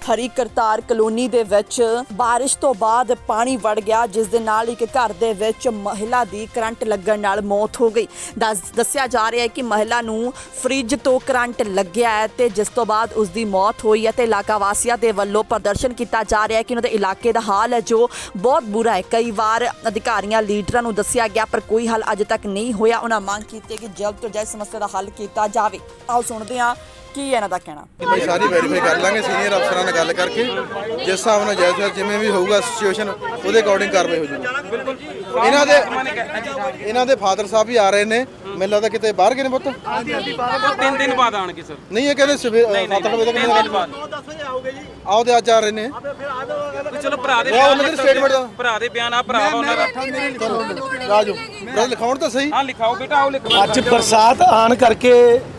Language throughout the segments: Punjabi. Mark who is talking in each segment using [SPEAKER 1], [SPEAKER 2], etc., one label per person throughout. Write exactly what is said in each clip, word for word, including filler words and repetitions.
[SPEAKER 1] हरी करतार कलोनी दे विच बारिश तो बाद पानी वड़ गया, जिस दे नाल एक घर दे विच महिला दी करंट लगन नाल मौत हो गई। दस दस्सिया जा रहा है कि महिला नूं फ्रिज तो करंट लग्या है ते जिस तो बाद उसकी मौत हुई है। ते इलाका वासियों के वल्लों प्रदर्शन किया जा रहा है कि उन्होंने इलाके का हाल है जो बहुत बुरा है। कई बार अधिकारियों लीडरां नूं दस्सिया गया पर कोई हल अजे तक नहीं होया। उन्होंने मांग की कि जल्द तो जल्द समस्या का हल किया जाए। आओ सुनते हैं ਕੀ ਇਹਨਾਂ ਦਾ ਕਹਿਣਾ।
[SPEAKER 2] ਭਾਈ ਸਾਰੀ ਵੈਰੀਫਾਈ ਕਰ ਲਾਂਗੇ ਸੀਨੀਅਰ ਅਫਸਰਾਂ ਨਾਲ ਗੱਲ ਕਰਕੇ, ਜਿਸ ਹਿਸਾਬ ਨਾਲ ਜਾਇਜ਼ ਜਿਵੇਂ ਵੀ ਹੋਊਗਾ ਸਿਚੁਏਸ਼ਨ ਉਹਦੇ ਅਕੋਰਡਿੰਗ ਕਾਰਵਾਈ ਹੋ ਜਾਊਗੀ। ਬਿਲਕੁਲ ਇਹਨਾਂ ਦੇ ਇਹਨਾਂ ਦੇ ਫਾਦਰ ਸਾਹਿਬ ਵੀ ਆ ਰਹੇ ਨੇ, ਮੈਨੂੰ ਲੱਗਦਾ ਕਿਤੇ ਬਾਹਰ ਗਏ ਨੇ ਪੁੱਤ।
[SPEAKER 3] ਹਾਂਜੀ ਹਾਂਜੀ ਬਾਹਰ ਤਿੰਨ ਦਿਨ ਬਾਅਦ ਆਣਗੇ ਸਰ।
[SPEAKER 2] ਨਹੀਂ ਇਹ ਕਹਿੰਦੇ ਸਵੇਰ ਸੱਤ ਵਜੇ ਤੱਕ
[SPEAKER 3] ਤਿੰਨ ਦਿਨ ਬਾਅਦ
[SPEAKER 2] ਆਓਗੇ ਜੀ। ਆਓ ਤੇ ਅੱਜ ਆ ਰਹੇ ਨੇ।
[SPEAKER 3] ਚਲੋ ਭਰਾ ਦੇ
[SPEAKER 2] ਉਹਨਾਂ ਦੇ ਸਟੇਟਮੈਂਟ ਦਾ
[SPEAKER 3] ਭਰਾ ਦੇ ਬਿਆਨ ਆ ਭਰਾ ਉਹਨਾਂ ਦਾ
[SPEAKER 2] ਰਾਜੂ ਬ੍ਰਦਰ ਲਿਖਾਉਣ ਤਾਂ ਸਹੀ।
[SPEAKER 3] ਹਾਂ ਲਿਖਾਓ ਬੇਟਾ ਆਓ ਲਿਖੋ।
[SPEAKER 4] ਅੱਜ ਬਰਸਾਤ ਆਣ ਕਰਕੇ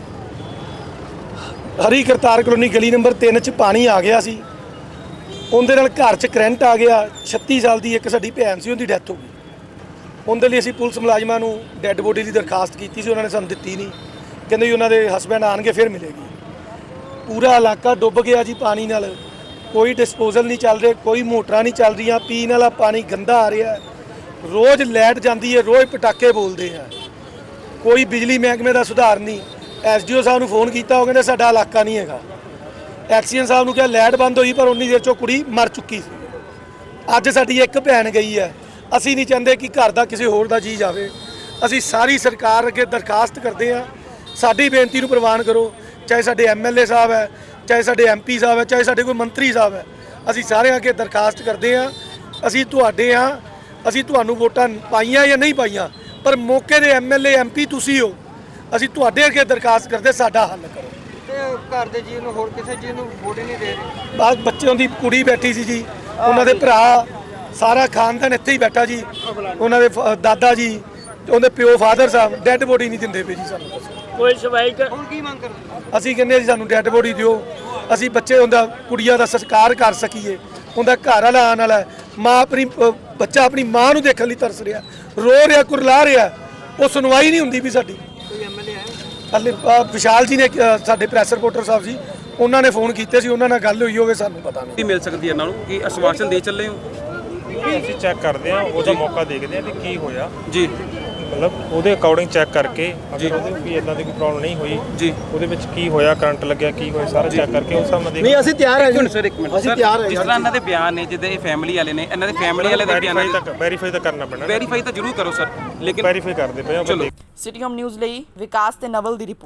[SPEAKER 4] ਹਰੀ ਕਰਤਾਰ ਕਲੋਨੀ ਗਲੀ ਨੰਬਰ ਤਿੰਨ ਚ ਪਾਣੀ ਆ ਗਿਆ ਸੀ। ਉਹਦੇ ਨਾਲ ਘਰ ਚ ਕਰੰਟ ਆ ਗਿਆ। ਛੱਤੀ ਸਾਲ ਦੀ ਇੱਕ ਸਾਡੀ ਭੈਣ ਸੀ, ਉਹਦੀ ਡੈਥ ਹੋ ਗਈ। ਉਹਦੇ ਲਈ ਅਸੀਂ ਪੁਲਿਸ ਮੁਲਾਜ਼ਮਾਂ ਨੂੰ ਡੈੱਡ ਬੋਡੀ ਦੀ ਦਰਖਾਸਤ ਕੀਤੀ ਸੀ, ਉਹਨਾਂ ਨੇ ਸਾਨੂੰ ਦਿੱਤੀ ਨਹੀਂ। ਕਹਿੰਦੇ ਜੀ ਉਹਨਾਂ ਦੇ ਹਸਬੈਂਡ ਆਣਗੇ ਫਿਰ ਮਿਲੇਗੀ। ਪੂਰਾ ਇਲਾਕਾ ਡੁੱਬ ਗਿਆ ਜੀ ਪਾਣੀ ਨਾਲ। ਕੋਈ ਡਿਸਪੋਜ਼ਲ ਨਹੀਂ ਚੱਲ ਰਿਹਾ, ਕੋਈ ਮੋਟਰਾਂ ਨਹੀਂ ਚੱਲ ਰਹੀਆਂ, ਪੀਣ ਵਾਲਾ ਪਾਣੀ ਗੰਦਾ ਆ ਰਿਹਾ। ਰੋਜ਼ ਲਾਈਟ ਜਾਂਦੀ ਹੈ, ਰੋਜ਼ ਪਟਾਕੇ ਬੋਲਦੇ ਆ। ਕੋਈ ਬਿਜਲੀ ਮਹਿਕਮੇ ਦਾ ਸੁਧਾਰ ਨਹੀਂ। ਐਸ ਡੀ ਓ ਸਾਹਿਬ ਨੂੰ ਫੋਨ ਕੀਤਾ, ਉਹ ਕਹਿੰਦੇ ਸਾਡਾ ਇਲਾਕਾ ਨਹੀਂ ਹੈਗਾ। ਐਕਸੀਅਨ ਸਾਹਿਬ ਨੂੰ ਕਿਹਾ ਲਾਈਟ ਬੰਦ ਹੋਈ, ਪਰ ਉਨੀ ਦੇਰ 'ਚੋਂ ਕੁੜੀ ਮਰ ਚੁੱਕੀ ਸੀ। ਅੱਜ ਸਾਡੀ ਇੱਕ ਭੈਣ ਗਈ ਹੈ। ਅਸੀਂ ਨਹੀਂ ਚਾਹੁੰਦੇ ਕਿ ਘਰ ਦਾ ਕਿਸੇ ਹੋਰ ਦਾ ਜੀ ਜਾਵੇ। ਅਸੀਂ ਸਾਰੀ ਸਰਕਾਰ ਅੱਗੇ ਦਰਖਾਸਤ ਕਰਦੇ ਹਾਂ, ਸਾਡੀ ਬੇਨਤੀ ਨੂੰ ਪ੍ਰਵਾਨ ਕਰੋ। ਚਾਹੇ ਸਾਡੇ ਐਮ ਐਲ ਏ ਸਾਹਿਬ ਹੈ, ਚਾਹੇ ਸਾਡੇ ਐਮ ਪੀ ਸਾਹਿਬ ਹੈ, ਚਾਹੇ ਸਾਡੇ ਕੋਈ ਮੰਤਰੀ ਸਾਹਿਬ ਹੈ, ਅਸੀਂ ਸਾਰਿਆਂ ਅੱਗੇ ਦਰਖਾਸਤ ਕਰਦੇ ਹਾਂ। ਅਸੀਂ ਤੁਹਾਡੇ ਹਾਂ, ਅਸੀਂ ਤੁਹਾਨੂੰ ਵੋਟਾਂ ਪਾਈਆਂ ਜਾਂ ਨਹੀਂ ਪਾਈਆਂ, ਪਰ ਮੌਕੇ ਦੇ M L A M P ਤੁਸੀਂ ਹੋ। ਅਸੀਂ ਤੁਹਾਡੇ ਅੱਗੇ ਦਰਖਾਸਤ ਕਰਦੇ ਸਾਡਾ ਹੱਲ ਕਰੋ।
[SPEAKER 5] ਤੇ ਘਰ ਦੇ ਜੀ ਨੂੰ ਹੋਰ ਕਿਸੇ ਜੀ ਨੂੰ ਵੋਟ ਹੀ ਨਹੀਂ ਦੇ ਰਹੇ।
[SPEAKER 4] ਬਾਅਦ ਬੱਚਿਆਂ ਦੀ ਕੁੜੀ ਬੈਠੀ ਸੀ ਜੀ, ਉਹਨਾਂ ਦੇ ਭਰਾ, ਸਾਰਾ ਖਾਨਦਾਨ ਇੱਥੇ ਹੀ ਬੈਠਾ ਜੀ। ਉਹਨਾਂ ਦੇ ਦਾਦਾ ਜੀ, ਉਹਦੇ ਪਿਓ ਫਾਦਰ ਸਾਹਿਬ ਡੈੱਡ ਬੋਡੀ ਨਹੀਂ ਦਿੰਦੇ ਪਏ ਜੀ ਸਾਨੂੰ।
[SPEAKER 5] ਕੋਈ ਸਵਾਈ ਹੁਣ ਕੀ ਮੰਗ ਕਰਦੇ?
[SPEAKER 4] ਅਸੀਂ ਕਹਿੰਦੇ ਜੀ ਸਾਨੂੰ ਡੈੱਡ ਬੋਡੀ ਦਿਓ, ਅਸੀਂ ਬੱਚੇ ਉਹਦਾ ਕੁੜੀਆਂ ਦਾ ਸੰਸਕਾਰ ਕਰ ਸਕੀਏ। ਉਹਦਾ ਘਰ ਵਾਲਾ ਆਉਣ ਵਾਲਾ, ਮਾਂ ਆਪਣੀ ਬੱਚਾ ਆਪਣੀ ਮਾਂ ਨੂੰ ਦੇਖਣ ਲਈ ਤਰਸ ਰਿਹਾ, ਰੋ ਰਿਹਾ, ਕੁਰਲਾ ਰਿਹਾ। ਉਹ ਸੁਣਵਾਈ ਨਹੀਂ ਹੁੰਦੀ ਵੀ ਸਾਡੀ। ਹਲੇ ਵਿਸ਼ਾਲ ਜੀ ਨੇ ਸਾਡੇ ਪ੍ਰੈਸ ਰਿਪੋਰਟਰ ਸਾਹਿਬ ਸੀ, ਉਹਨਾਂ ਨੇ ਫੋਨ ਕੀਤੇ ਸੀ, ਉਹਨਾਂ ਨਾਲ ਗੱਲ ਹੋਈ ਹੋਵੇ ਸਾਨੂੰ ਪਤਾ ਨਹੀਂ।
[SPEAKER 3] ਮਿਲ ਸਕਦੀ ਹੈ ਇਹਨਾਂ ਨੂੰ ਕਿ ਆਸ਼ਵਾਸਨ ਦੇ ਚੱਲੇ ਹੋ?
[SPEAKER 6] ਅਸੀਂ ਚੈੱਕ ਕਰਦੇ ਹਾਂ, ਉਹਦਾ ਮੌਕਾ ਦੇਖਦੇ ਹਾਂ ਕਿ ਕੀ ਹੋਇਆ ਜੀ। ਮਤਲਬ ਉਹਦੇ ਅਕੋਰਡਿੰਗ ਚੈੱਕ ਕਰਕੇ ਅਗਰ ਉਹਦੇ ਵੀ ਇਦਾਂ ਦੀ ਕੋਈ ਪ੍ਰੋਬਲਮ ਨਹੀਂ ਹੋਈ ਜੀ, ਉਹਦੇ ਵਿੱਚ ਕੀ ਹੋਇਆ, ਕਰੰਟ ਲੱਗਿਆ, ਕੀ ਹੋਇਆ, ਸਾਰਾ ਚੈੱਕ ਕਰਕੇ ਉਸ ਹਿਸਾਬ ਨਾਲ ਦੇਖ।
[SPEAKER 4] ਨਹੀਂ ਅਸੀਂ ਤਿਆਰ ਹਾਂ ਜੀ
[SPEAKER 3] ਸਰ, ਇੱਕ ਮਿੰਟ।
[SPEAKER 4] ਅਸੀਂ ਤਿਆਰ ਹਾਂ।
[SPEAKER 3] ਜਿਸ ਤਰ੍ਹਾਂ ਇਹਨਾਂ ਦੇ ਬਿਆਨ ਨੇ, ਜਿੱਦਾਂ ਇਹ ਫੈਮਿਲੀ ਵਾਲੇ ਨੇ, ਇਹਨਾਂ ਦੇ ਫੈਮਿਲੀ ਵਾਲੇ ਦੇ ਬਿਆਨ
[SPEAKER 6] ਤੱਕ ਵੈਰੀਫਾਈ ਤਾਂ ਕਰਨਾ ਪੈਣਾ।
[SPEAKER 3] ਵੈਰੀਫਾਈ ਤਾਂ ਜ਼ਰੂਰ ਕਰੋ ਸਰ, ਲੇਕਿਨ
[SPEAKER 6] ਵੈਰੀਫਾਈ ਕਰਦੇ ਪਏ ਹਾਂ।
[SPEAKER 1] ਸਿਟੀ ਹੋਮ ਨਿਊਜ਼ ਲਈ ਵਿਕਾਸ ਤੇ ਨਵਲ ਦੀ ਰਿਪੋਰਟ।